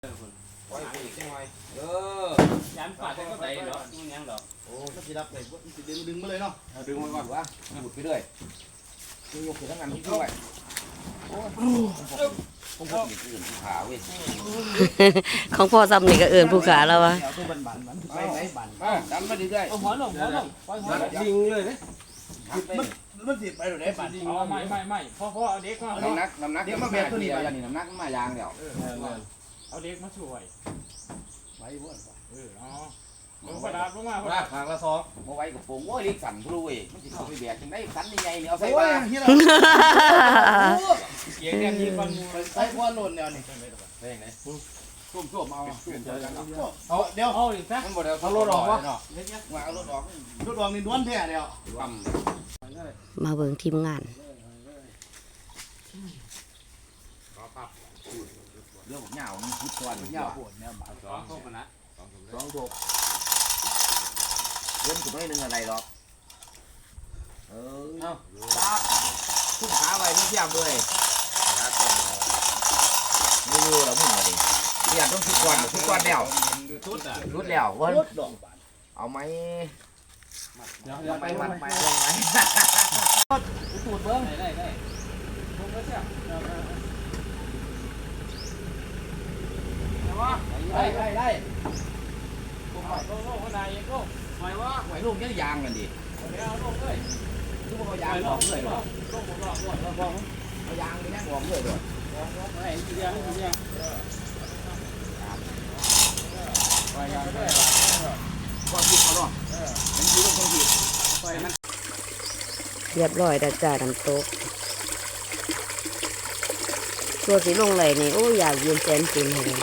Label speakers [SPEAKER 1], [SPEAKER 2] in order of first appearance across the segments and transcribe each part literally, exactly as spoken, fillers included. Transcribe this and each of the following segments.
[SPEAKER 1] ปล่อยอีกจังไงเออยันปาดก็ได้หรอกมันยังดอกโอ้ถ้าสิรับได้บ่สิดึงดึงมาเลยเนาะดึงมาก่อนวะหมุดไปเรื่อยดึงยกขึ้นทั้งนั้นที่ด้วยโอ้ผมผมมีอื่นผู้ขาเว้ย
[SPEAKER 2] ของพ่อซ้ำนี่ก็เอิ้นผู้ขาแล้ววะ
[SPEAKER 1] เอาตัวบันบันมันไปไหนบันดันมาเรื่อยๆเอาหัวลงหัวลงปล่อยหัวยิงเลยนะมันมันสิไปไหนบัน
[SPEAKER 3] อ๋อไม่ไม่ไม่พ่อพ่อเอาเด็กมา
[SPEAKER 1] น้ำหนักน้ำหนักเด็กมาแบบตัวนี้ไปนี่น้ำหนักมายางเดียว
[SPEAKER 3] เอาเด็กมาช่วย
[SPEAKER 1] ไว้บ่
[SPEAKER 3] เอออ๋อลงกระดาษลงมา
[SPEAKER 1] ว่าทางละซอกมาไว้กับผมโอ้ยเล็กสั่นพลุยมันสิเข้าไปแบกจังได๋สั่นใหญ่ๆนี่เอาใส่บ้าน
[SPEAKER 3] เสียงเนี่ยมีคน
[SPEAKER 1] ใส่บ่โน่นแล้วนี่ไปจังได๋ส้มๆเอาเอาเดี๋ยว
[SPEAKER 3] เอาอีกซะ
[SPEAKER 1] มันบ่ได้เอารถออกวะว่าเอารถออกรถออกนี่ด้วนแท้แล้ว
[SPEAKER 2] มาเบิ่งทีมงาน
[SPEAKER 1] เรื่องของเหงาคิดก่อนเหงาปวดแนวบาดสองทุกนะสองทุกเล่นถึงไม่นึงอะไรหรอกเออเอาตับทุ่มขาไว้ไม่เทียบเลยไม่รู้เราพูดมาดิเทียบต้องคิดก่อนคิดก่อนแล้วรุดอ่ะรุดแล้ววันเอาไหมเอาไปมัดไปลงไหมปูดเบิ้งได้ได้ผมก็เสียได้ได้ได้
[SPEAKER 3] โลกโลกคนไหนโลก
[SPEAKER 1] หอยว่าหอยลูกยังยางกันดิ
[SPEAKER 3] เอาโลกเลย
[SPEAKER 1] ทุกคนเอายางออกเลย
[SPEAKER 3] โลกโลกโลกโลกโลกโลก
[SPEAKER 1] เอายางไปนั่งออกเลยด้วย
[SPEAKER 3] ไอ้ทีเดียวทีเดียวไปยางด้วย
[SPEAKER 1] ก็คิดเขาเนาะมันคิดว่าต้องคิดไปมัน
[SPEAKER 2] เรียบร้อยแล้วจ้าน้ำตกตัวสีลงไหลนี่โอ้อยากเย็นแสนฟินเลย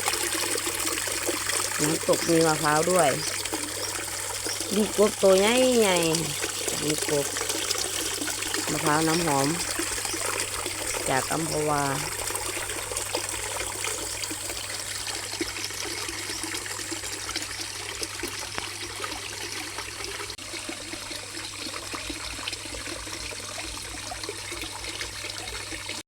[SPEAKER 2] น้ำตกมีมะพร้าวด้วยดีกบตัวใหญ่ใหญ่ดีกบมะพร้าวน้ำหอมจากอัมพวา